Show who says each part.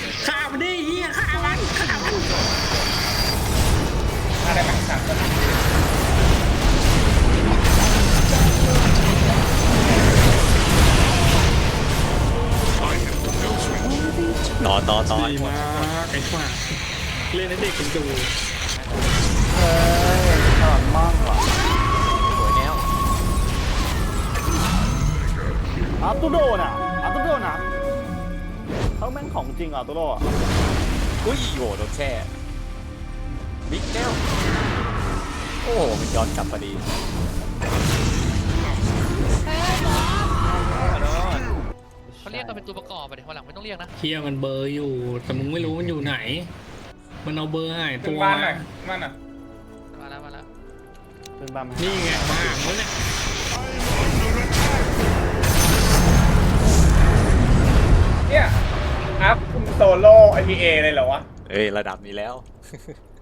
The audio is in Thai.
Speaker 1: ฆ่ามันดิเฮียฆ่ามัน
Speaker 2: อะไรไหมสามคน
Speaker 3: ต่อ
Speaker 1: ดีมากไอ้ฝ่าเล่นให้เด็กกันดู
Speaker 4: เฮ้ยฉลาดมากว่ะ
Speaker 3: สวยแล้ว
Speaker 4: อาร์ตูโดน่ะเขาแม่งของจริงอาร์ตูโดอ่ะ
Speaker 3: อุ้ยโหโดนแช่บิ๊กแก้วโอ้โหมันย้อนกลับพอดี
Speaker 5: เขาเรียกกันเป็นตัวประกอบไปเดี๋ยววันหลังไม่ต้องเรียกนะ
Speaker 1: เฮียมันเบอร์อยู่แต่มึงไม่รู้มันอยู่ไหนมันเอาเบอร์หาย
Speaker 2: ขึ้
Speaker 1: ตั
Speaker 2: น
Speaker 1: ว
Speaker 2: บ้านหน่อยบ้านอ่ะ
Speaker 5: มาแล้ว
Speaker 4: เป็นบ้าไหม
Speaker 1: นี่ไงมาแล้วเนี่ย
Speaker 2: เนี่ยอัพโซโล่ IPA เลยเหรอวะ
Speaker 3: เอ้ยระดับนี้แล้ว